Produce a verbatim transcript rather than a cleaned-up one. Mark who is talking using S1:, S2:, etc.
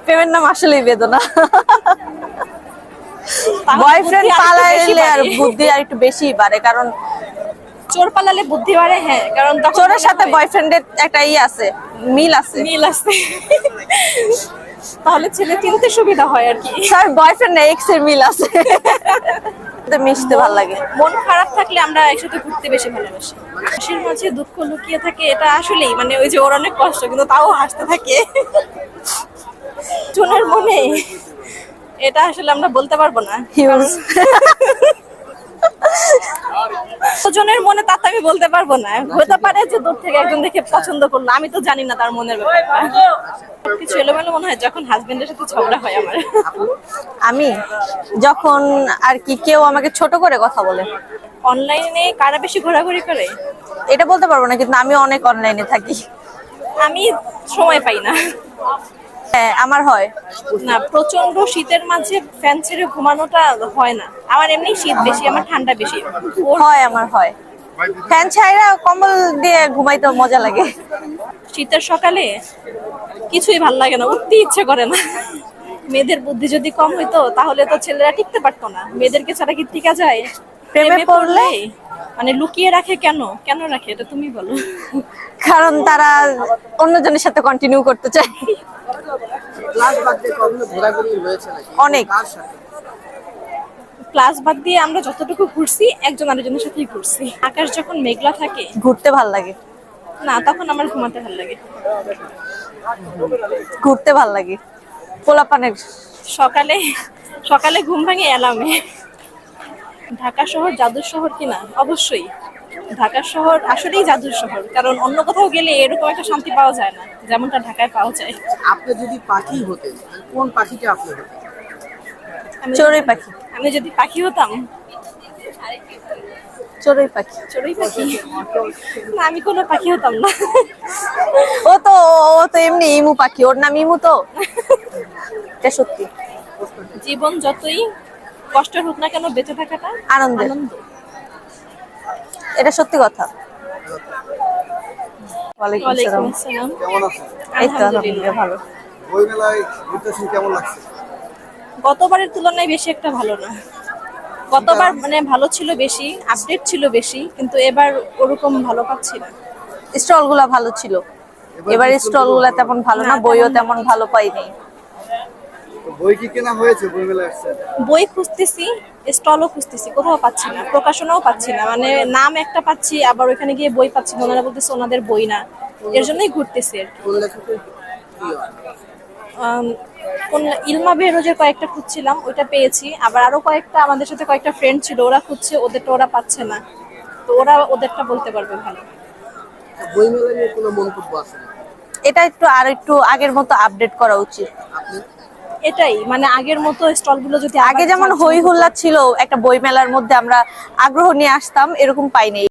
S1: প্রেমের নাম আসলেই বেদনা। বয়ফ্রেন্ড পালাইলে আর বুদ্ধি আর একটু বেশি বাড়ে, কারণ
S2: চোর পালালে বুদ্ধি বাড়ে। হ্যাঁ, কারণ তখন
S1: চোরের সাথে বয়ফ্রেন্ডের একটা ই আছে, মিল আছে।
S2: মিল আছে, তাহলে ছেলে চিনতে সুবিধা হয় আর কি।
S1: স্যার বয়ফ্রেন্ড না, এক্স এর মিল আছে। মিশতে ভালো লাগে।
S2: মন খারাপ থাকলে আমরা একসাথে ঘুরতে বেশি ভালোবাসি। হাসির মাঝে দুঃখ লুকিয়ে থাকে, এটা আসলেই মানে ওই যে ওর অনেক কষ্ট কিন্তু তাও হাসতে থাকে। জনের মনে এটা আসলে আমরা বলতে পারবো না।
S1: হিউজ
S2: জনের মনে তা তো আমি বলতে পারবো না। হতে পারে যে দূর থেকে একজন দেখে পছন্দ করলো, আমি তো জানি না তার মনের ব্যাপারটা। কিছু এলোমেলো মনে হয় যখন হাজবেন্ডের সাথে ঝগড়া হয় আমার।
S1: আমি যখন আর কি কেউ আমাকে ছোট করে কথা বলে।
S2: অনলাইনে কারা বেশি ঘোরাঘুরি করে
S1: এটা বলতে পারবো না, কিন্তু আমি অনেক অনলাইনে থাকি।
S2: আমি সময় পাই না।
S1: হ্যাঁ আমার হয়
S2: না, প্রচন্ড শীতের মাঝে ফ্যান ছেড়ে ঘুমানোটা হয় না আমার। এমনি শীত বেশি, আমার ঠান্ডা বেশি। ওর
S1: হয় আমার হয় ফ্যান ছাইরা কম্বল দিয়ে ঘুমাইতে মজা লাগে।
S2: শীতের সকালে কিছুই ভাল লাগে না, উঠতে ইচ্ছে করে না। মেয়েদের বুদ্ধি যদি কম হইতো তাহলে তো ছেলেরা টিকতে পারতো না। মেয়েদেরকে ছাড়া কি টিকা যায়?
S1: প্রেমে পড়লে
S2: মানে লুকিয়ে রাখে কেন? কেন রাখে এটা তুমি বলো।
S1: কারণ তারা অন্যজনের সাথে কন্টিনিউ করতে চায়। অনেক
S2: ক্লাস বাদ দিয়ে আমরা যতটুকু ঘুরছি একজন আরেকজনের সাথেই ঘুরছি। আকাশ যখন মেঘলা থাকে
S1: ঘুরতে ভাল লাগে
S2: না, তখন আমার ঘুমাতে ভালো লাগে।
S1: ঘুরতে ভাল লাগে পোলাপানের।
S2: সকালে সকালে ঘুম ভাঙে অ্যালার্মে। ঢাকা শহর জাদুর শহর কিনা? অবশ্যই ঢাকা শহর আসলেই জাদুর শহর, কারণ অন্য কোথাও গেলে এরকম একটা শান্তি পাওয়া যায় না যেমনটা ঢাকায় পাওয়া যায়।
S3: আপনি যদি পাখি হতেন কোন পাখিটা আপনি হতেন?
S2: আমি
S1: চড়ুই পাখি।
S2: আমি যদি পাখি হতাম,
S1: চড়ুই পাখি।
S2: চড়ুই পাখি না, আমি কোনো পাখি হতাম না।
S1: ও তো ও তো এমনি ইমু পাখি, ওর নাম ইমু তো। এটা সত্যি।
S2: জীবন যতই কষ্টের হোক না কেন বেঁচে থাকাটা
S1: আনন্দের।
S2: আনন্দ।
S1: এটা সত্যি কথা। ওয়ালাইকুম
S2: ওয়ালাইকুম
S1: আসসালাম।
S2: আসসালাম।
S3: কেমন আছেন?
S1: এই তো আলহামদুলিল্লাহ ভালো।
S3: বই মেলায় ঘুরতেছেন, কেমন লাগছে?
S2: গতবারের তুলনায় বেশি একটা ভালো না। গতবার মানে ভালো ছিল বেশি, আপডেট ছিল বেশি, কিন্তু এবার ওরকম ভালো পাচ্ছি না।
S1: স্টল গুলা ভালো ছিল, এবার স্টল গুলা তেমন ভালো না,
S2: না,
S1: বইও
S2: তেমন
S1: তেমন ভালো পাইনি।
S3: তো বই কি কেনা হয়েছে বই মেলায় আসছেন?
S2: বই খুঁজতেছি, স্টলও খুঁজতেছি, কোথাও পাচ্ছি না, প্রকাশনাও পাচ্ছি না। মানে নাম একটা পাচ্ছি, আবার ওখানে গিয়ে বই পাচ্ছি না, ওনারা বলতেছে ওনাদের বই না। এর জন্যই ঘুরতেছি আর কি।
S3: কোন লেখকের প্রিয়?
S2: আম, কোন ইলমা বেহরোজের কয়েকটা খুঁজছিলাম, ওইটা পেয়েছি। আবার আরো কয়েকটা আমাদের সাথে কয়েকটা ফ্রেন্ড ছিল, ওরা খুঁজছে, ওদেরটা ওরা পাচ্ছে না, তো ওরা ওদেরটা বলতে পারবে ভালো।
S3: বই মেলা নিয়ে কোনো মন্তব্য আছে না?
S1: এটা একটু আর একটু আগের মতো আপডেট করা উচিত।
S3: আপনি
S2: এটাই মানে আগের মতো স্টলগুলো যদি
S1: আগে যেমন হই হুল্লা ছিল, একটা বই মেলার মধ্যে আমরা আগ্রহ নিয়ে আসতাম, এরকম পাইনি।